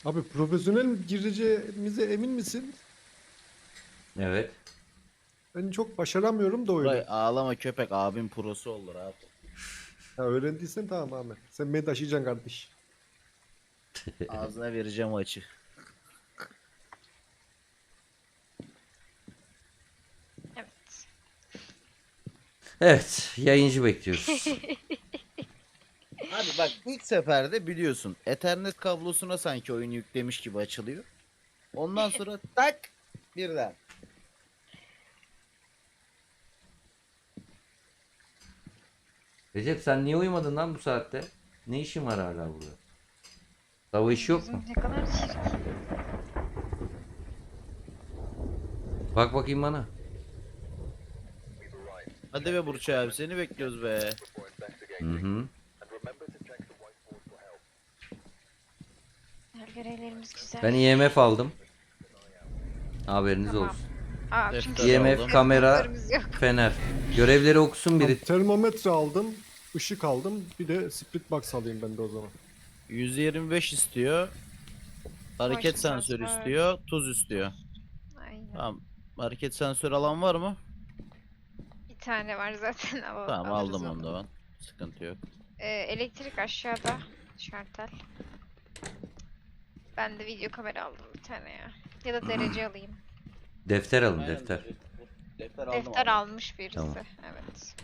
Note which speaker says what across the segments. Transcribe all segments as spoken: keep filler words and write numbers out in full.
Speaker 1: Abi profesyonel gireceğimize emin misin?
Speaker 2: Evet.
Speaker 1: Ben çok başaramıyorum da
Speaker 3: Buray
Speaker 1: öyle.
Speaker 3: ağlama köpek, abim prosu olur abi.
Speaker 1: Ya öğrendiysen tamam Ahmet. Sen beni taşıyacaksın kardeş.
Speaker 3: Ağzına vereceğim o açı.
Speaker 4: Evet.
Speaker 2: Evet. Yayıncı bekliyoruz.
Speaker 3: Abi bak, ilk seferde biliyorsun Ethernet kablosuna sanki oyun yüklemiş gibi açılıyor. Ondan sonra tak birden.
Speaker 2: Recep sen niye uyumadın lan bu saatte? Ne işin var hala burada? Dava işi yok mu?
Speaker 4: Yüzüm ne kadar çirkin.
Speaker 2: Bak bakayım bana.
Speaker 3: Hadi be Burç abi, seni bekliyoruz be.
Speaker 2: Hı hı.
Speaker 4: Her görevlerimiz güzel.
Speaker 2: Ben I M F aldım. Haberiniz
Speaker 4: Tamam.
Speaker 2: olsun.
Speaker 4: Aa,
Speaker 3: Defter
Speaker 4: çünkü
Speaker 2: I M
Speaker 3: aldım.
Speaker 2: F, kamera,
Speaker 4: defterimiz yok.
Speaker 2: fener. Görevleri okusun
Speaker 1: Biri...
Speaker 2: biri.
Speaker 1: Termometre aldım. Işık aldım. Bir de split box alayım ben de o zaman.
Speaker 3: yüz yirmi beş istiyor. Hareket
Speaker 4: Motion
Speaker 3: sensörü
Speaker 4: sensör.
Speaker 3: istiyor. Tuz istiyor.
Speaker 4: Aynen.
Speaker 3: Tamam. Hareket sensörü alan var mı?
Speaker 4: Bir tane var zaten. Al
Speaker 3: Tamam,
Speaker 4: alırız
Speaker 3: aldım
Speaker 4: onu.
Speaker 3: onu da ben. Sıkıntı yok.
Speaker 4: Ee, elektrik aşağıda. Şartel. Ben de video kamera aldım bir tane ya. Ya da derece alayım.
Speaker 2: Defter alın defter.
Speaker 3: Defter
Speaker 4: Defter almış birisi.
Speaker 2: Tamam.
Speaker 4: Evet.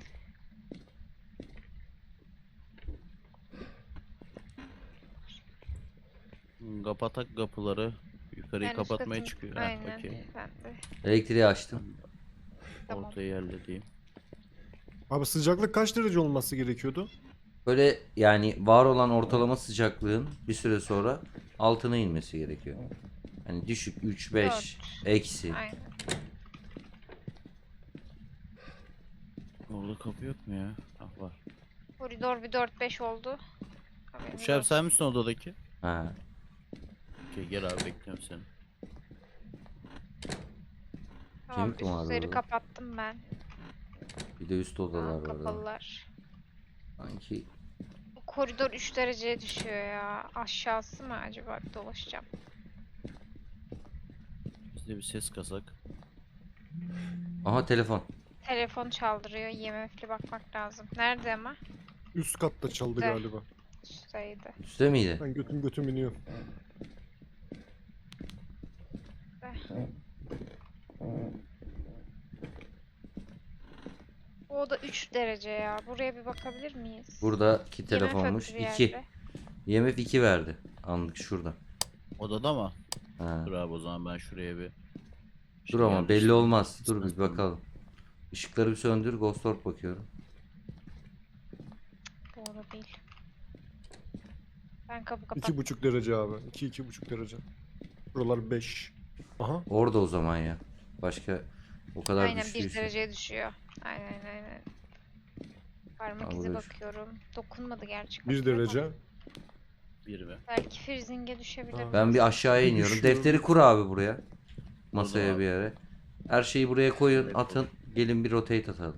Speaker 3: Kapatak kapıları. Yukarıyı
Speaker 4: Ben
Speaker 3: kapatmaya
Speaker 4: üst
Speaker 3: çıkıyor.
Speaker 4: katın-
Speaker 3: Ha,
Speaker 4: Aynen.
Speaker 3: okey.
Speaker 4: Ben de.
Speaker 2: Elektriği açtım.
Speaker 4: Tamam.
Speaker 3: Ortayı halledeyim.
Speaker 1: Abi sıcaklık kaç derece olması gerekiyordu?
Speaker 2: Böyle yani var olan ortalama sıcaklığın bir süre sonra altına inmesi gerekiyor. Hani düşük üç beş eksi.
Speaker 4: Aynen.
Speaker 3: Orada kapı yok mu ya? Ah, var.
Speaker 4: Koridor bir dört beş oldu. Haberiniz
Speaker 3: Burç abi,
Speaker 4: olsun.
Speaker 3: sen misin odadaki?
Speaker 2: Ha.
Speaker 3: Okey, gel abi, bekliyorum seni.
Speaker 4: Tamam,
Speaker 2: Kim kumarda
Speaker 4: üstleri
Speaker 2: orada?
Speaker 4: kapattım ben.
Speaker 2: Bir de üst
Speaker 4: Aa,
Speaker 2: odalar var. orada.
Speaker 4: kapalılar.
Speaker 2: Sanki
Speaker 4: Bu koridor üç dereceye düşüyor ya. Aşağısı mı acaba? Bir dolaşacağım.
Speaker 3: Bizde bir ses kasak.
Speaker 2: aha telefon.
Speaker 4: Telefon çaldırıyor. I M F'li bakmak lazım. Nerede ama?
Speaker 1: Üst katta çaldı
Speaker 4: De.
Speaker 1: galiba.
Speaker 4: Üstteydi.
Speaker 2: Üstte miydi?
Speaker 1: Ben götüm götüm iniyor.
Speaker 4: Bu oda üç derece ya. Buraya bir bakabilir miyiz?
Speaker 2: Buradaki
Speaker 4: I M F
Speaker 2: telefonmuş.
Speaker 4: öttü bir
Speaker 2: iki.
Speaker 4: yerde.
Speaker 2: I M F iki verdi. Anlık şurada.
Speaker 3: Odada mı?
Speaker 2: Ha.
Speaker 3: Dur abi, o zaman ben şuraya bir...
Speaker 2: Dur
Speaker 3: şey
Speaker 2: ama belli
Speaker 3: yerleştireyim.
Speaker 2: olmaz. Dur bir
Speaker 3: İstemez.
Speaker 2: bakalım. Işıkları bir söndür. Ghost Orb bakıyorum.
Speaker 4: Bu oda değil. Ben kapı
Speaker 1: İki
Speaker 4: kapattım.
Speaker 1: buçuk derece abi. İki iki buçuk derece. Buralar beş. Aha.
Speaker 2: Orada o zaman ya. Başka o kadar
Speaker 4: Aynen bir
Speaker 2: düştüyse.
Speaker 4: dereceye düşüyor. Aynen aynen. Parmak
Speaker 2: Aa,
Speaker 4: izi
Speaker 2: burada şu-
Speaker 4: bakıyorum. Dokunmadı gerçi.
Speaker 1: Bir
Speaker 4: kapıya ama
Speaker 1: derece.
Speaker 3: Bir mi?
Speaker 4: Belki freezing'e düşebilir.
Speaker 1: Aa.
Speaker 2: Ben bir aşağıya
Speaker 1: Bir
Speaker 2: iniyorum.
Speaker 1: düşüyor.
Speaker 2: Defteri kur abi buraya. Masaya
Speaker 3: abi.
Speaker 2: bir yere. Her şeyi buraya koyun,
Speaker 3: Evet,
Speaker 2: atın. Gelin bir rotate atalım.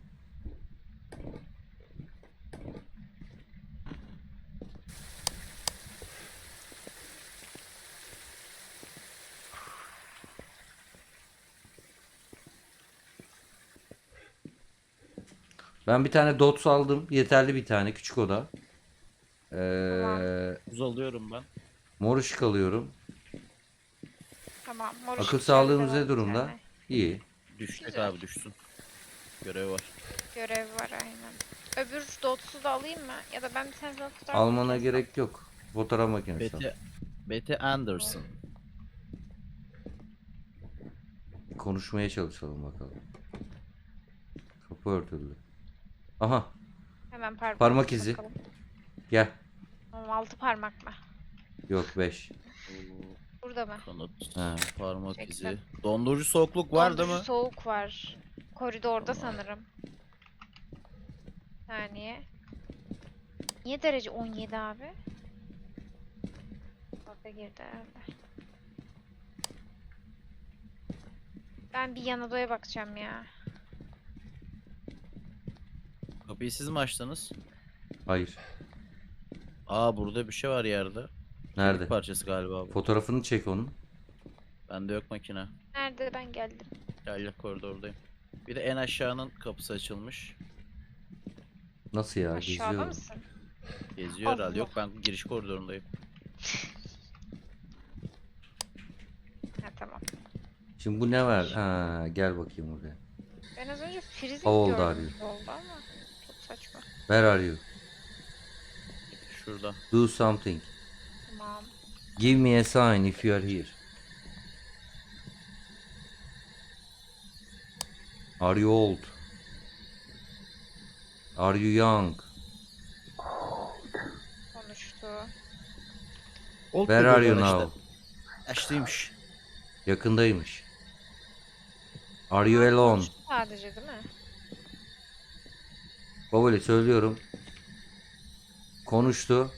Speaker 2: Ben bir tane dots aldım. Yeterli bir tane. Küçük oda. Ee,
Speaker 3: Buz alıyorum ben.
Speaker 2: mor ışık alıyorum.
Speaker 4: Tamam. Mor
Speaker 2: Akıl
Speaker 4: ışık
Speaker 2: sağlığımız
Speaker 4: geldi,
Speaker 2: ne
Speaker 4: var bir
Speaker 2: durumda?
Speaker 4: tane.
Speaker 2: İyi.
Speaker 3: Düşecek
Speaker 4: Güzel.
Speaker 3: abi, düşsün. Görev var.
Speaker 4: Görev var aynen. Öbür dotsu da alayım mı? Ya da ben bir tane daha tutar
Speaker 2: Almana
Speaker 4: mıyım?
Speaker 2: gerek yok. Fotoğraf makinesi. al.
Speaker 3: Betty, Betty Anderson.
Speaker 2: Konuşmaya çalışalım bakalım. Kapı örtüldü. Aha,
Speaker 4: Hemen parmak,
Speaker 2: Parmak izi.
Speaker 4: bakalım.
Speaker 2: gel.
Speaker 4: Tamam, altı parmak mı?
Speaker 2: Yok beş.
Speaker 4: Burada mı?
Speaker 3: Kanıt,
Speaker 2: Ha.
Speaker 3: parmak
Speaker 4: Çektim.
Speaker 3: izi. Dondurucu soğukluk var değil
Speaker 4: Dondurucu
Speaker 3: mi?
Speaker 4: soğuk var. Koridorda
Speaker 3: Tamam.
Speaker 4: sanırım. Saniye. Niye derece on yedi abi? Orada girdi herhalde. Ben bir yan odaya bakacağım ya.
Speaker 3: Kapıyı siz mi açtınız?
Speaker 2: Hayır.
Speaker 3: Aa, burada bir şey var yerde.
Speaker 2: Nerede?
Speaker 3: Parçası galiba bu.
Speaker 2: Fotoğrafını çek onun.
Speaker 3: Bende yok makine.
Speaker 4: Nerede, ben geldim.
Speaker 3: Gel gel koridordayım. Bir de en aşağının kapısı açılmış.
Speaker 2: Nasıl ya?
Speaker 4: Aşağıda
Speaker 2: Geziyor.
Speaker 4: mısın?
Speaker 3: Geziyor herhalde.
Speaker 4: Allah.
Speaker 3: Yok, ben giriş koridorundayım.
Speaker 4: Ha tamam.
Speaker 2: Şimdi bu ne var? Ha, gel bakayım buraya.
Speaker 4: Ben az önce freezing
Speaker 2: How old
Speaker 4: gördüm
Speaker 2: are you?
Speaker 4: yolda ama çok saçma.
Speaker 2: Where are you?
Speaker 3: Şurada.
Speaker 2: Do something.
Speaker 4: Tamam.
Speaker 2: Give me a sign if you are here. Are you old? Are you young?
Speaker 4: Konuştu.
Speaker 1: Old
Speaker 2: Where are you
Speaker 1: diyorlar işte.
Speaker 2: now?
Speaker 3: Yaşlıymış.
Speaker 2: Yakındaymış. Are you alone?
Speaker 4: Konuştu sadece değil mi?
Speaker 2: Babali söylüyorum. Konuştu.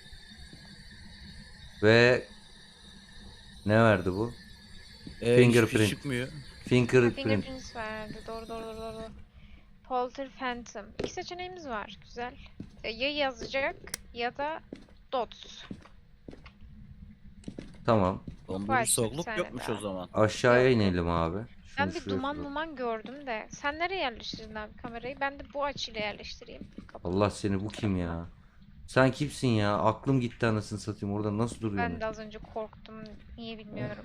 Speaker 2: Ve ne verdi bu?
Speaker 3: Ee,
Speaker 2: Fingerprint.
Speaker 3: hiçbir şey çıkmıyor.
Speaker 2: Fingerprint.
Speaker 4: Fingerprints verdi. Doğru doğru doğru doğru. Polter Phantom. İki seçeneğimiz var. Güzel. E, Ya yazacak ya da dots.
Speaker 2: Tamam.
Speaker 3: Dondurucu
Speaker 4: Başka bir
Speaker 3: soğukluk
Speaker 4: tane
Speaker 3: yokmuş
Speaker 4: daha.
Speaker 3: o zaman.
Speaker 2: Aşağıya
Speaker 4: Yok.
Speaker 2: inelim abi.
Speaker 4: Ben
Speaker 2: Şunu
Speaker 4: bir
Speaker 2: şuraya
Speaker 4: duman
Speaker 2: koyalım.
Speaker 4: duman gördüm de. Sen nereye yerleştirdin abi kamerayı? Ben de bu açıyla yerleştireyim. Kapat.
Speaker 2: Allah seni, bu kim ya? Sen kimsin ya? Aklım gitti anasını satayım. Orada nasıl duruyorsun?
Speaker 4: Ben de az önce korktum. Niye bilmiyorum.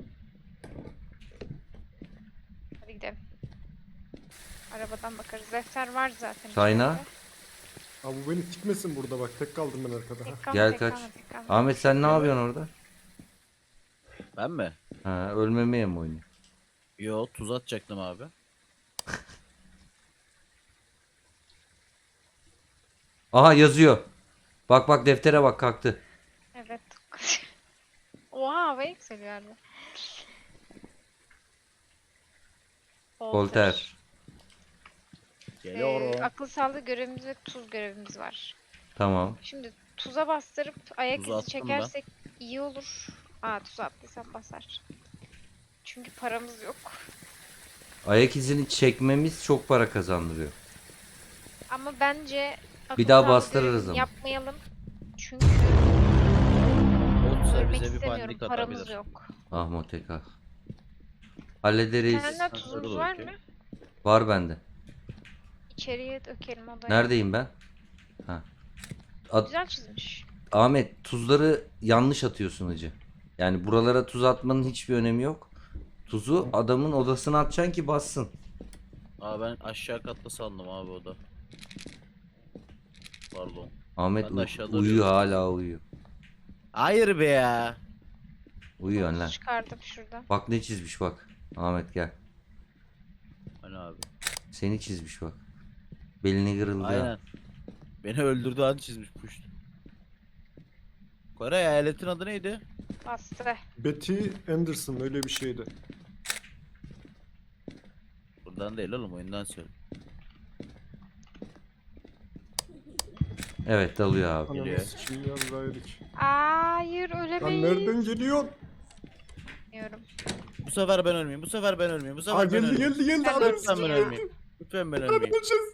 Speaker 4: Hadi gidelim. Arabadan bakarız. Defter var zaten.
Speaker 2: Sayna?
Speaker 4: içeride.
Speaker 1: Abi bu beni sikmesin burada bak. Tek kaldım ben arkada.
Speaker 4: Tek kalma,
Speaker 2: Gel
Speaker 4: tek
Speaker 2: kaç.
Speaker 4: kalma, tek kalma.
Speaker 2: Ahmet sen ne yapıyorsun orada?
Speaker 3: Ben mi?
Speaker 2: Ha, ölmemeye mi oynuyorsun?
Speaker 3: Yo, tuz atacaktım abi.
Speaker 2: Aha yazıyor. Bak bak deftere bak, kalktı.
Speaker 4: Evet. Oha, hava yükseliyor harbi.
Speaker 2: Voltaire.
Speaker 3: Geliyorum.
Speaker 4: Ee, akıl sağlığı görevimiz ve tuz görevimiz var.
Speaker 2: Tamam.
Speaker 4: Şimdi tuza bastırıp ayak
Speaker 3: Tuzu
Speaker 4: izi
Speaker 3: attım ben.
Speaker 4: çekersek iyi olur. Aa, tuz attıysam basar. Çünkü paramız yok.
Speaker 2: Ayak izini çekmemiz çok para kazandırıyor.
Speaker 4: Ama bence akıl
Speaker 2: Bir daha
Speaker 4: sağlığı
Speaker 2: bastırırız
Speaker 4: görevini
Speaker 2: ama.
Speaker 4: yapmayalım. Çünkü
Speaker 3: Olsa
Speaker 4: ölmek
Speaker 3: bize bir
Speaker 4: istemiyorum.
Speaker 3: pandik
Speaker 4: Paramız
Speaker 3: atabilir.
Speaker 4: yok.
Speaker 2: Ah Motekah. Hallederiz.
Speaker 4: Senden
Speaker 3: Dur
Speaker 4: tuzumuz var
Speaker 3: bakayım.
Speaker 4: mı?
Speaker 2: Var bende.
Speaker 4: İçeriye dökelim odaya.
Speaker 2: Neredeyim ben? Ha. At-
Speaker 4: Güzel çizmiş.
Speaker 2: Ahmet, tuzları yanlış atıyorsun hacı. Yani buralara tuz atmanın hiçbir önemi yok. Tuzu adamın odasına atacaksın ki bassın.
Speaker 3: Aa, ben aşağı katta sandım abi o da. Pardon.
Speaker 2: Ahmet
Speaker 3: Ben de
Speaker 2: uy-
Speaker 3: aşağıda
Speaker 2: uyuyor,
Speaker 3: arıyorum.
Speaker 2: hala uyuyor.
Speaker 3: Hayır be ya.
Speaker 2: Uyuyor
Speaker 4: Tuz
Speaker 2: lan.
Speaker 4: çıkardım şuradan.
Speaker 2: Bak ne çizmiş bak. Ahmet gel.
Speaker 3: Hani abi.
Speaker 2: Seni çizmiş bak. Belini kırıldı. ha.
Speaker 3: Aynen. Beni öldürdüğü an çizmiş puş. Kore eyaletin adı neydi?
Speaker 4: Bastı.
Speaker 1: Betty Anderson öyle bir şeydi.
Speaker 3: Buradan değil oğlum, oyundan söyle.
Speaker 2: Evet, dalıyor abi.
Speaker 1: Ananı
Speaker 3: Geliyor.
Speaker 1: sikeyim ya Zayrik.
Speaker 4: Hayır,
Speaker 1: Lan
Speaker 4: ölemeyiz.
Speaker 1: nereden geliyorsun?
Speaker 4: Bilmiyorum.
Speaker 3: Bu sefer ben ölmeyeyim. Bu sefer ben ölmeyeyim. Bu sefer
Speaker 1: Aa
Speaker 3: ben
Speaker 1: geldi
Speaker 3: ölmeyeyim.
Speaker 1: geldi geldi.
Speaker 4: Ben
Speaker 1: Ananı
Speaker 3: Lütfen ben
Speaker 1: sikeyim.
Speaker 3: ölmeyeyim. Lütfen ben ölmeyeyim.
Speaker 1: Öleceğiz.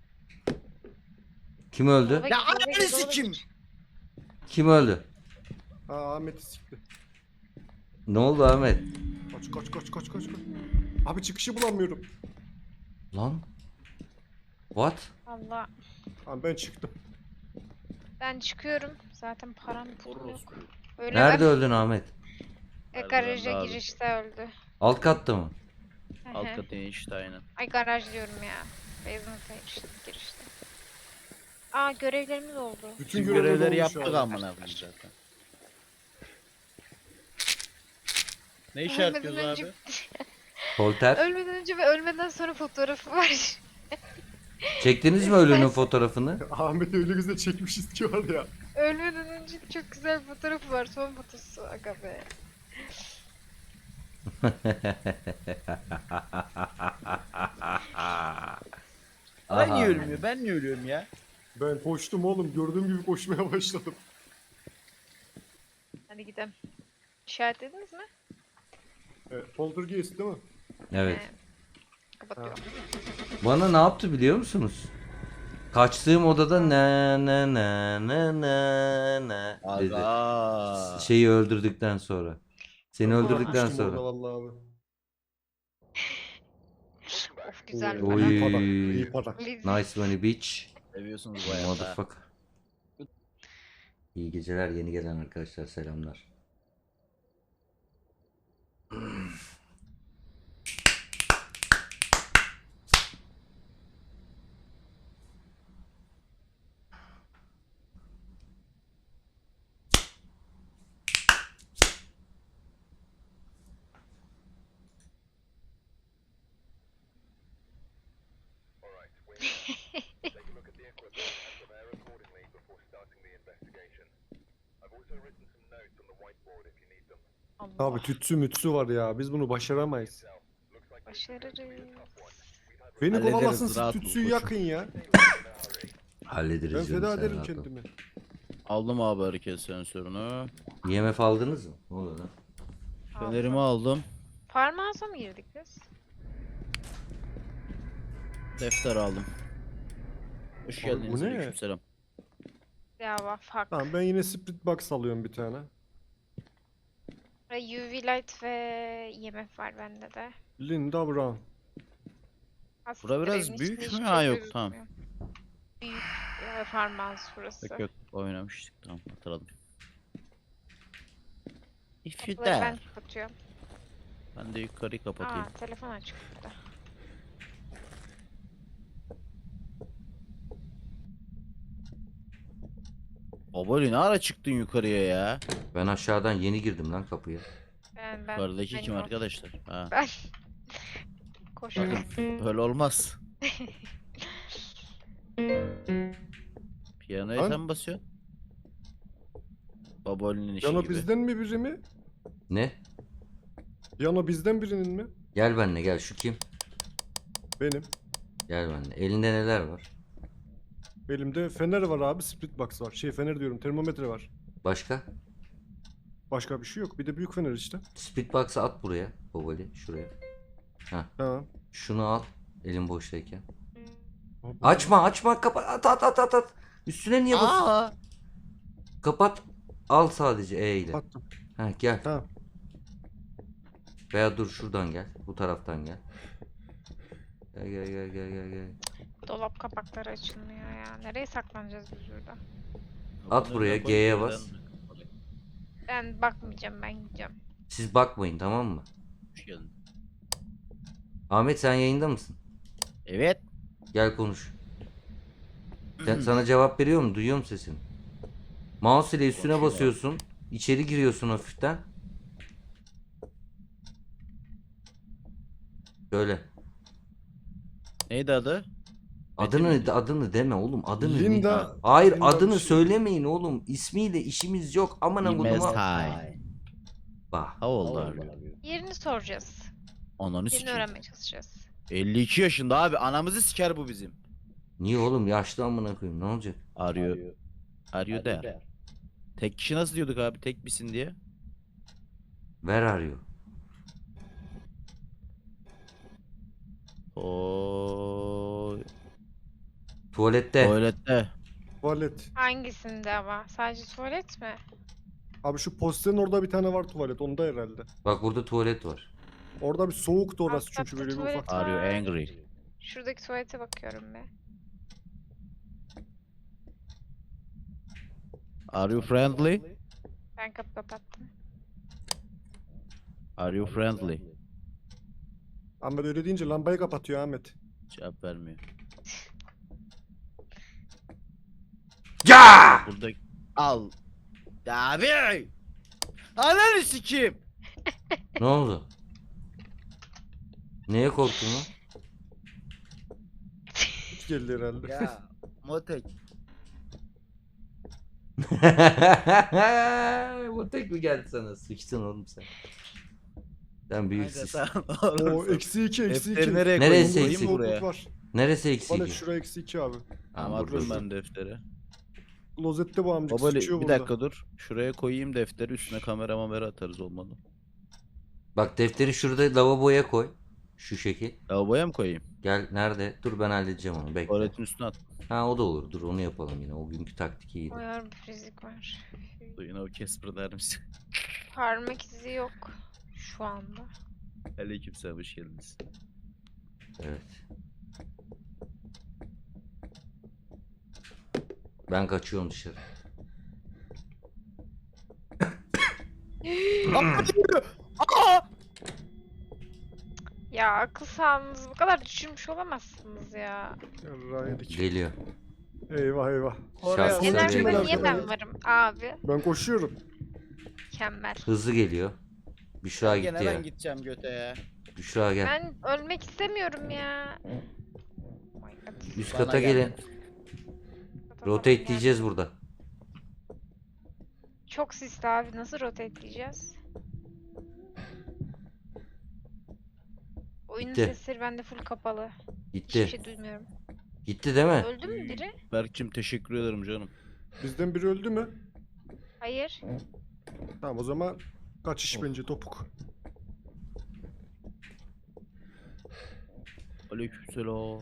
Speaker 2: Kim öldü?
Speaker 4: Dolaba
Speaker 3: Ya
Speaker 4: gir, dolaba
Speaker 3: ananı
Speaker 4: gir, dolaba
Speaker 3: sikim.
Speaker 4: gir.
Speaker 2: Kim öldü?
Speaker 1: Aa Ahmet'i sikti.
Speaker 2: Ne oldu Ahmet?
Speaker 1: Kaç kaç kaç kaç kaç kaç. Abi çıkışı bulamıyorum.
Speaker 2: Lan? What?
Speaker 4: Allah.
Speaker 1: Abi ben çıktım.
Speaker 4: Ben çıkıyorum. Zaten param pulum yok.
Speaker 3: Orospu.
Speaker 4: Öyle
Speaker 2: Nerede
Speaker 4: ben-
Speaker 2: öldün Ahmet?
Speaker 4: E,
Speaker 3: Nerede
Speaker 4: garaja
Speaker 3: öldü abi?
Speaker 4: girişte öldü.
Speaker 2: Alt katta mı?
Speaker 4: Hı
Speaker 3: Alt
Speaker 4: hı.
Speaker 3: katı işte aynen.
Speaker 4: Ay, garaj diyorum ya. Basement'a girişte, girişte. Aa, görevlerimiz oldu.
Speaker 1: Bütün
Speaker 3: Tüm
Speaker 1: görevleri
Speaker 3: görevleri
Speaker 1: olmuş
Speaker 3: yaptık
Speaker 1: abi.
Speaker 3: amına koyayım zaten. Ne işaretliyoruz
Speaker 4: Ölmeden önce-
Speaker 3: abi?
Speaker 2: Polter.
Speaker 4: Ölmeden önce ve ölmeden sonra fotoğrafı var.
Speaker 2: Çektiniz mi ölünün fotoğrafını?
Speaker 1: Ahmet öyle güzel çekmişiz ki var ya.
Speaker 4: Ölmeden önce çok güzel bir fotoğrafı var. Son fotosu. Aga be.
Speaker 3: Ben niye
Speaker 2: Aha.
Speaker 3: ölmüyor? Ben niye ölüyorum ya?
Speaker 1: Ben koştum oğlum. Gördüğüm gibi koşmaya başladım.
Speaker 4: Hadi gidelim. İşaretlediniz mi?
Speaker 1: Evet, Poltergeist değil mi?
Speaker 2: Evet.
Speaker 4: He. Kapatıyorum.
Speaker 2: Bana ne yaptı biliyor musunuz? Kaçtığım odada ne ne ne ne ne ne dedi.
Speaker 3: Aga.
Speaker 2: Şeyi öldürdükten sonra. Seni öldürdükten
Speaker 1: Bırakmıştım
Speaker 2: sonra.
Speaker 1: orada vallahi abi.
Speaker 4: Of güzel
Speaker 1: Oo,
Speaker 4: para.
Speaker 1: iyi para.
Speaker 2: Oy.
Speaker 1: İyi para.
Speaker 4: Liz.
Speaker 2: Nice money bitch.
Speaker 3: Seviyorsunuz bayağı.
Speaker 2: Motherfucker. İyi geceler yeni gelen arkadaşlar selamlar.
Speaker 4: Allah.
Speaker 1: Abi tütsü mütsü var ya. Biz bunu başaramayız.
Speaker 4: Başarırız.
Speaker 1: Beni
Speaker 3: Hallederiz,
Speaker 1: kovalasın siz
Speaker 3: rahat ol
Speaker 1: tütsüyü
Speaker 3: koçum.
Speaker 1: yakın ya.
Speaker 2: Hallederiz
Speaker 1: Ben
Speaker 2: canım,
Speaker 1: feda
Speaker 2: sen
Speaker 1: ederim
Speaker 2: rahat ol.
Speaker 1: kendimi.
Speaker 3: Aldım abi hareket sensörünü.
Speaker 2: I M F aldınız mı? Ne oluyor lan?
Speaker 3: Fenerimi aldım.
Speaker 4: Farmağıza mı girdik biz?
Speaker 3: Defter aldım. Hoş
Speaker 1: Abi
Speaker 3: geldiniz.
Speaker 1: bu ne?
Speaker 3: Aleykümselam.
Speaker 4: Ya bak fuck.
Speaker 1: Tamam ben yine split box alıyorum bir tane.
Speaker 4: Ve U V light ve I M F var bende de.
Speaker 1: Linda Brown.
Speaker 4: Aslında
Speaker 3: Bura biraz
Speaker 4: evin
Speaker 3: büyük
Speaker 4: içinde
Speaker 3: mü?
Speaker 4: hiçbir
Speaker 3: Ha,
Speaker 4: şey
Speaker 3: yok, tamam.
Speaker 4: gözükmüyor. Büyük e, farmağız burası.
Speaker 3: Yok yok oynamıştık, tamam hatırladım. If you
Speaker 4: Kapıları ben
Speaker 3: dare.
Speaker 4: kapatıyorum.
Speaker 3: Ben de yukarıyı kapatayım.
Speaker 4: Aa telefon açık burada.
Speaker 3: Babali ne ara çıktın yukarıya ya?
Speaker 2: Ben aşağıdan yeni girdim lan kapıya.
Speaker 4: Ben, ben,
Speaker 3: Yukarıdaki
Speaker 4: ben
Speaker 3: kim
Speaker 4: yok.
Speaker 3: arkadaşlar? Ha.
Speaker 4: Ben koşuyorum.
Speaker 3: Öyle olmaz. Piyanoya
Speaker 1: Lan.
Speaker 3: sen basıyorsun. Baboli'nin işi
Speaker 1: Yano
Speaker 3: gibi.
Speaker 1: bizden mi biri mi?
Speaker 2: Ne?
Speaker 1: Yano bizden birinin mi?
Speaker 2: Gel benimle gel, şu kim?
Speaker 1: Benim.
Speaker 2: Gel benimle. Elinde neler var?
Speaker 1: Elimde fener var abi, split box var. Şey fener diyorum, termometre var.
Speaker 2: Başka?
Speaker 1: Başka bir şey yok. Bir de büyük fener işte.
Speaker 2: Speedbox'ı at buraya. Boboli şuraya.
Speaker 1: Ha.
Speaker 2: Şunu al. Elin boştayken.
Speaker 1: Abi,
Speaker 2: Açma açma, kapat, at at at at at. Üstüne niye basıyorsun?
Speaker 3: Aa!
Speaker 2: Kapat. Al sadece E ile.
Speaker 1: Attım.
Speaker 2: Ha gel.
Speaker 1: Ha.
Speaker 2: Veya dur şuradan gel. Bu taraftan gel. Gel gel gel gel gel gel.
Speaker 4: Dolap kapakları açılmıyor ya. Nereye saklanacağız biz burada?
Speaker 2: At buraya, G'ye bas.
Speaker 4: Ben bakmayacağım, ben gideceğim.
Speaker 2: Siz bakmayın, tamam mı?
Speaker 3: Hoş geldin.
Speaker 2: Ahmet sen yayında mısın?
Speaker 3: Evet.
Speaker 2: Gel konuş. Sen, sana cevap veriyor mu? Duyuyor musun sesini? Mouse ile üstüne
Speaker 3: Konuşuyor.
Speaker 2: basıyorsun. İçeri giriyorsun hafiften. Böyle.
Speaker 3: Neydi adı?
Speaker 2: Adını
Speaker 3: miydi?
Speaker 2: adını deme oğlum. Adını ne?
Speaker 1: Linda.
Speaker 2: Hayır,
Speaker 1: Linda
Speaker 2: adını
Speaker 1: bir şey.
Speaker 2: söylemeyin oğlum. İsmiyle işimiz yok. Aman koduma.
Speaker 3: Imesai.
Speaker 2: Bak.
Speaker 3: How old are you?
Speaker 4: Yerini soracağız.
Speaker 3: Ananı
Speaker 4: Yerini
Speaker 3: sikeyim.
Speaker 4: öğrenmeye çalışacağız.
Speaker 3: elli iki yaşında abi. Anamızı siker bu bizim.
Speaker 2: Niye oğlum? Yaşlı amına koyayım. Ne olacak?
Speaker 3: Are you? Are you there? Tek kişi nasıl diyorduk abi? Tek misin diye.
Speaker 2: Where are you?
Speaker 3: Oo.
Speaker 2: Tuvalette.
Speaker 3: Tuvalette.
Speaker 1: Tuvalet.
Speaker 4: Hangisinde ama? Sadece tuvalet mi?
Speaker 1: Abi şu posterin orada bir tane var tuvalet. Onda herhalde.
Speaker 2: Bak burada tuvalet var.
Speaker 1: Orada bir soğuktu orası
Speaker 4: Alt katta
Speaker 1: çünkü böyle bir
Speaker 4: tuvalet
Speaker 1: ufak.
Speaker 3: Are you
Speaker 4: var.
Speaker 3: angry?
Speaker 4: Şuradaki tuvalete bakıyorum be.
Speaker 3: Are you friendly?
Speaker 4: Ben kapı kapattım.
Speaker 3: Are you friendly?
Speaker 1: Ahmet öyle deyince lambayı kapatıyor Ahmet.
Speaker 3: Cevap vermiyor.
Speaker 2: Ya!
Speaker 3: Burada al. Ya abi. Ananı sikeyim.
Speaker 2: Ne oldu? Neye korktun lan?
Speaker 1: Hiç geldi herhalde.
Speaker 3: Ya motek.
Speaker 2: Bu tek mi geldi sana? Sıçtın oğlum sen. Sen büyüksün.
Speaker 1: O eksi iki eksi iki.
Speaker 3: Defteri nereye
Speaker 2: Neresi
Speaker 3: koyayım?
Speaker 2: eksik?
Speaker 3: Koyayım
Speaker 1: Soğukluk
Speaker 3: buraya.
Speaker 1: var.
Speaker 2: Neresi eksik?
Speaker 1: Tuvalet şuraya eksi iki abi.
Speaker 3: Tamam
Speaker 2: burada
Speaker 3: atıyorum
Speaker 2: şu.
Speaker 3: ben defteri.
Speaker 1: Klozette bu amcık
Speaker 3: Babali
Speaker 1: sıçıyor
Speaker 3: bir
Speaker 1: burada.
Speaker 3: dakika dur. Şuraya koyayım defteri, üstüne kamera mamera atarız olmadı.
Speaker 2: Bak defteri şurada lavaboya koy. Şu şekil.
Speaker 3: Lavaboya mı koyayım?
Speaker 2: Gel nerede? Dur ben halledeceğim onu. Bekle.
Speaker 3: Tuvaletin üstüne at.
Speaker 2: Ha o da olur. Dur onu yapalım yine. O günkü taktik iyiydi.
Speaker 4: Uyar bir fizik var.
Speaker 3: Yine o Casper der misin?
Speaker 4: Parmak izi yok şu anda.
Speaker 3: Aleykümselam, hoş geldiniz.
Speaker 2: Evet. Ben kaçıyorum dışarı.
Speaker 3: Aa!
Speaker 4: Ya akıl sağlığınızı bu kadar düşürmüş olamazsınız ya.
Speaker 1: Yarrağı yedik.
Speaker 2: Geliyor.
Speaker 1: Eyvah eyvah.
Speaker 3: Oraya
Speaker 2: Şahsen
Speaker 4: En
Speaker 2: Sen
Speaker 4: arkada
Speaker 2: de-
Speaker 4: niye ben varım abi?
Speaker 1: Ben koşuyorum.
Speaker 4: Mükemmel.
Speaker 2: Hızlı geliyor. Büşra
Speaker 3: Gene
Speaker 2: gitti
Speaker 3: ben
Speaker 2: ya.
Speaker 3: gideceğim göte ya.
Speaker 2: Büşra gel.
Speaker 4: Ben ölmek istemiyorum ya. Oh my god.
Speaker 2: Üst
Speaker 3: Bana
Speaker 2: kata
Speaker 3: gel.
Speaker 2: gelin. Rotate diyeceğiz burada.
Speaker 4: Çok sisli abi. Nasıl rotate diyeceğiz? Oyunun
Speaker 2: Gitti.
Speaker 4: sesleri bende full kapalı. Hiçbir
Speaker 2: Gitti.
Speaker 4: şey duymuyorum.
Speaker 2: Gitti değil mi?
Speaker 4: Öldü mü biri?
Speaker 3: Berk'cim teşekkür ederim canım.
Speaker 1: Bizden biri öldü mü?
Speaker 4: Hayır.
Speaker 1: Tamam o zaman kaçış bence topuk.
Speaker 3: Aleykümselam.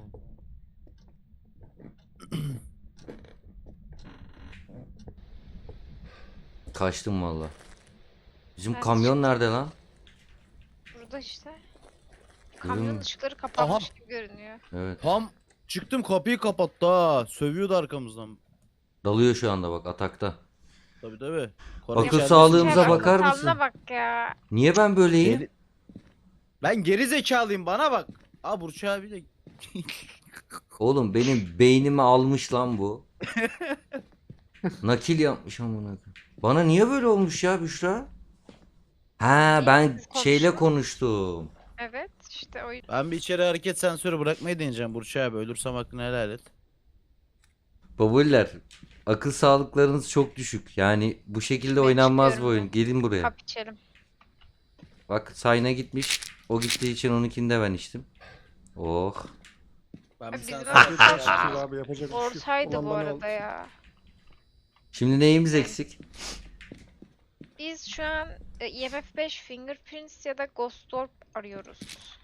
Speaker 2: Kaçtım valla. Bizim
Speaker 4: Ben
Speaker 2: kamyon nerede lan?
Speaker 4: Burada işte. Kamyon
Speaker 2: Görün-
Speaker 4: ışıkları kapanmış gibi görünüyor.
Speaker 2: Evet.
Speaker 3: Tam çıktım, kapıyı kapattı ha. Sövüyordu arkamızdan.
Speaker 2: Dalıyor şu anda bak atakta.
Speaker 3: Tabii tabii.
Speaker 2: Akıl
Speaker 3: içeride-
Speaker 2: sağlığımıza
Speaker 4: Şuraya
Speaker 2: bakar
Speaker 4: akıl
Speaker 2: mısın?
Speaker 4: sağlığına bak ya.
Speaker 2: Niye ben böyleyim?
Speaker 3: Geri- Ben geri zekalıyım, bana bak. Aa Burç abi de
Speaker 2: Oğlum benim beynimi almış lan bu. Nakil yapmış amına koyayım. Bana niye böyle olmuş ya Büşra? Ha ben
Speaker 4: Siz
Speaker 2: şeyle
Speaker 4: konuşun.
Speaker 2: konuştum.
Speaker 4: Evet işte o
Speaker 3: ben bir içeri hareket sensörü bırakmayı deneyeceğim Burç abi. Ölürsem hakkını helal et.
Speaker 2: Babuller, akıl sağlıklarınız çok düşük. Yani bu şekilde
Speaker 4: Ben
Speaker 2: oynanmaz bu
Speaker 4: çıkıyorum
Speaker 2: oyun. Gelin buraya.
Speaker 4: kap içelim.
Speaker 2: Bak Sayna gitmiş. O gittiği için onunkini de ben içtim. Oh.
Speaker 3: Ben
Speaker 4: bir Bizim sensör
Speaker 1: Afiyet
Speaker 4: Aa.
Speaker 1: olsun abi yapacak bir şey yok.
Speaker 4: Orsaydı
Speaker 1: Olan
Speaker 4: bu
Speaker 1: bana
Speaker 4: arada
Speaker 1: oldu.
Speaker 4: ya.
Speaker 2: Şimdi neyimiz eksik?
Speaker 4: Biz şu an e, E M F beş, Fingerprints ya da Ghost Orb arıyoruz.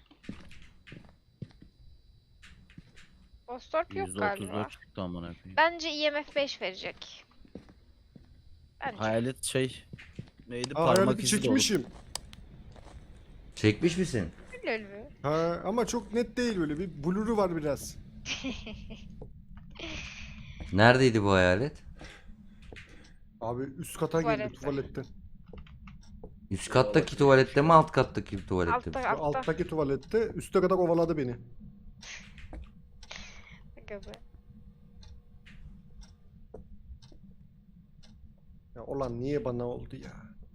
Speaker 4: Ghost Orb yok
Speaker 3: yüzde
Speaker 4: galiba.
Speaker 3: otuz dört çıktı amına koyayım.
Speaker 4: Bence E M F beş verecek. Bence.
Speaker 3: Hayalet şey neydi,
Speaker 1: Aa
Speaker 3: parmak
Speaker 1: hayaleti
Speaker 3: izi de olur.
Speaker 1: çekmişim.
Speaker 2: Çekmiş misin?
Speaker 4: Lol mü?
Speaker 1: Ha ama çok net değil böyle bir blur'u var biraz.
Speaker 2: Neredeydi bu hayalet?
Speaker 1: Abi üst kata geldi
Speaker 4: Tuvalette.
Speaker 1: tuvaletten.
Speaker 2: Üst kattaki tuvalette mi alt kattaki tuvalette mi?
Speaker 4: Altta
Speaker 1: Şu
Speaker 4: altta.
Speaker 1: alttaki tuvalette üste kadar kovaladı beni.
Speaker 4: Aga be.
Speaker 1: Ya olan niye bana oldu ya?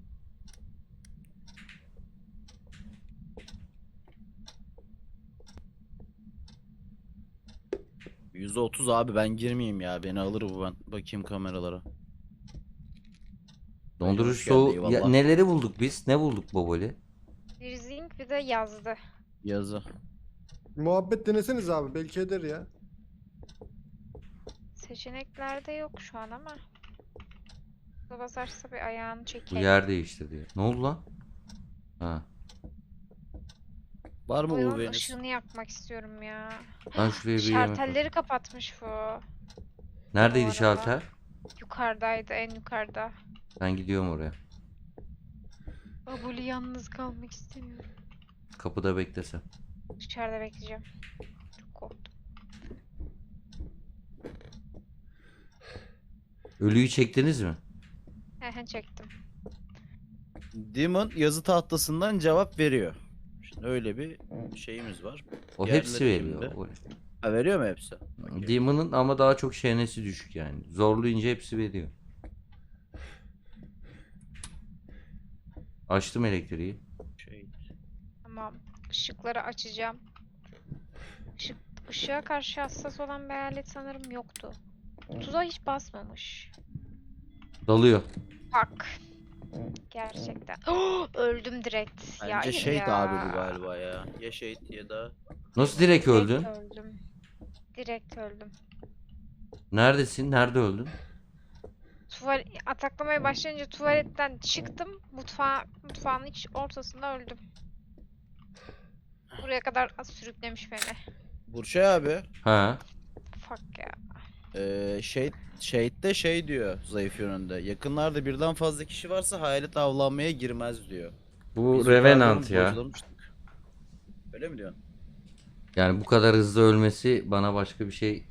Speaker 3: yüzde otuz abi, ben girmeyeyim ya, beni alır bu, ben bakayım kameralara.
Speaker 2: Dondurucu
Speaker 3: Hoş geldin,
Speaker 2: soğuk.
Speaker 3: eyvallah.
Speaker 2: Ya, neleri bulduk biz? Ne bulduk Boboli?
Speaker 4: Bir zinc bir de yazdı.
Speaker 3: Yazı.
Speaker 1: Muhabbet deneseniz abi belki eder ya.
Speaker 4: Seçeneklerde yok şu an ama. Bu basarsa bir ayağını
Speaker 2: Bu
Speaker 4: çekelim.
Speaker 2: yer değiştirdi. Ne oldu lan? Ha.
Speaker 3: Var mı
Speaker 4: Oyunun
Speaker 3: U V'niz?
Speaker 4: ışığını yakmak istiyorum ya.
Speaker 2: Ben şuraya bir yemek
Speaker 4: Şartelleri kapatmış bu.
Speaker 2: Neredeydi
Speaker 4: Bu arada.
Speaker 2: şalter?
Speaker 4: Yukarıdaydı, en yukarıda.
Speaker 2: Ben gidiyorum oraya.
Speaker 4: Babuli yalnız kalmak istemiyorum.
Speaker 2: Kapıda beklesem.
Speaker 4: Dışarıda bekleyeceğim. Çok korktum.
Speaker 2: Ölüyü çektiniz mi?
Speaker 4: Hehe çektim.
Speaker 3: Demon yazı tahtasından cevap veriyor. Şimdi öyle bir şeyimiz var.
Speaker 2: O
Speaker 3: Diğerleri
Speaker 2: hepsi veriyor.
Speaker 3: kimde?
Speaker 2: O-
Speaker 3: Ha, veriyor mu hepsi? Okey.
Speaker 2: Demon'ın ama daha çok şenesi düşük yani. Zorlayınca hepsi veriyor. Açtım elektriği.
Speaker 3: Şey.
Speaker 4: Tamam. Işıkları açacağım. Işık, ışığa karşı hassas olan bir alet sanırım yoktu. Tuza hiç basmamış.
Speaker 2: Dalıyor.
Speaker 4: Bak. Gerçekten. Öldüm direkt. Ya
Speaker 3: Bence
Speaker 4: hayır
Speaker 3: şey
Speaker 4: ya.
Speaker 3: de abi bu galiba ya. Ya şey ya da
Speaker 2: Nasıl direkt
Speaker 4: Direkt
Speaker 2: öldün?
Speaker 4: öldüm. Direkt öldüm.
Speaker 2: Neredesin? Nerede öldün?
Speaker 4: Tuval ataklamaya başlayınca tuvaletten çıktım. Mutfağa, mutfağın iç ortasında öldüm. Buraya kadar sürüklemiş beni.
Speaker 3: Burçay abi.
Speaker 2: Ha.
Speaker 4: Fuck ya.
Speaker 3: Ee, şey Shade'de şey diyor zayıf yönünde. Yakınlarda birden fazla kişi varsa hayalet avlanmaya girmez diyor.
Speaker 2: Bu
Speaker 3: Biz
Speaker 2: Revenant
Speaker 3: yukarıdan
Speaker 2: ya.
Speaker 3: bocalamıştık. Öyle mi diyorsun?
Speaker 2: Yani bu kadar hızlı ölmesi bana başka bir şey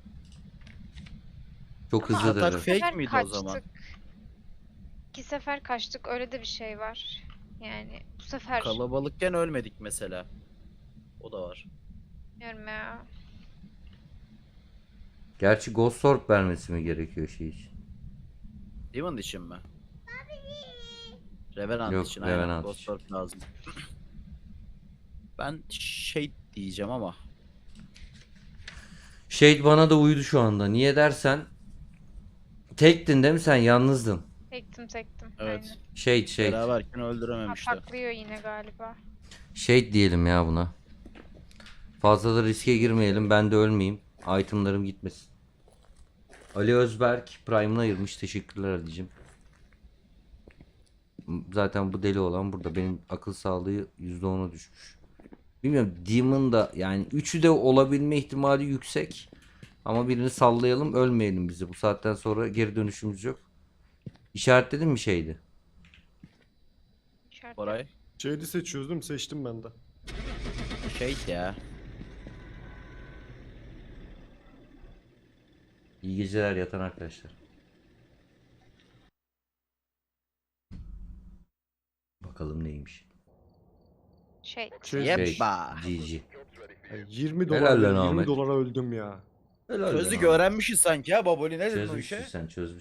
Speaker 2: çok
Speaker 3: Ama
Speaker 2: hızlıdır.
Speaker 3: atak
Speaker 4: Bu
Speaker 3: fake
Speaker 4: sefer
Speaker 3: miydi o zaman?
Speaker 4: kaçtık. İki sefer kaçtık. Öyle de bir şey var. Yani bu sefer
Speaker 3: Kalabalıkken ölmedik mesela. O da var.
Speaker 4: bilmiyorum ya.
Speaker 2: Gerçi Ghost Orb vermesi mi gerekiyor şey için?
Speaker 3: Demon için mi? Revenant
Speaker 2: Yok,
Speaker 3: için
Speaker 2: Revenant
Speaker 3: aynen. Ghost
Speaker 2: için.
Speaker 3: Orb lazım. Ben şey diyeceğim ama.
Speaker 2: Shade bana da uydu şu anda. Niye dersen tektin değil mi sen? Yalnızdın.
Speaker 4: Tektim tektim.
Speaker 3: Evet.
Speaker 4: Aynen.
Speaker 2: Shade Shade.
Speaker 3: Beraberken öldürememişti.
Speaker 4: Patlıyor yine galiba.
Speaker 2: Shade diyelim ya buna. Fazla da riske girmeyelim. Ben de ölmeyeyim. Itemlarım gitmesin. Ali Özberk Prime'ını ayırmış. Teşekkürler Ali'cim. Zaten bu deli olan burada. Benim akıl sağlığı yüzde ona düşmüş. Bilmiyorum. Demon da yani üçü de olabilme ihtimali yüksek. Ama birini sallayalım, ölmeyelim bizi. Bu saatten sonra geri dönüşümüz yok. İşaretledin mi şeydi?
Speaker 4: İşaret
Speaker 3: Koray.
Speaker 1: Shade'i seçiyoruz değil mi? Seçtim ben de.
Speaker 3: Şey ya.
Speaker 2: İyi geceler yatan arkadaşlar. Bakalım neymiş.
Speaker 4: Şey.
Speaker 1: Şey,
Speaker 3: Yep.
Speaker 2: Şey,
Speaker 3: Ba.
Speaker 2: G G.
Speaker 1: Yani yirmi
Speaker 2: Helal
Speaker 1: dolar
Speaker 2: lan
Speaker 1: yirmi
Speaker 2: Ahmet.
Speaker 1: dolara öldüm ya.
Speaker 2: Helal
Speaker 3: Çözdük
Speaker 2: lan abi.
Speaker 3: öğrenmişiz sanki ya Baboli ne dedin o
Speaker 2: Çözmüşsün
Speaker 3: işe?
Speaker 2: sen çözmüşsün.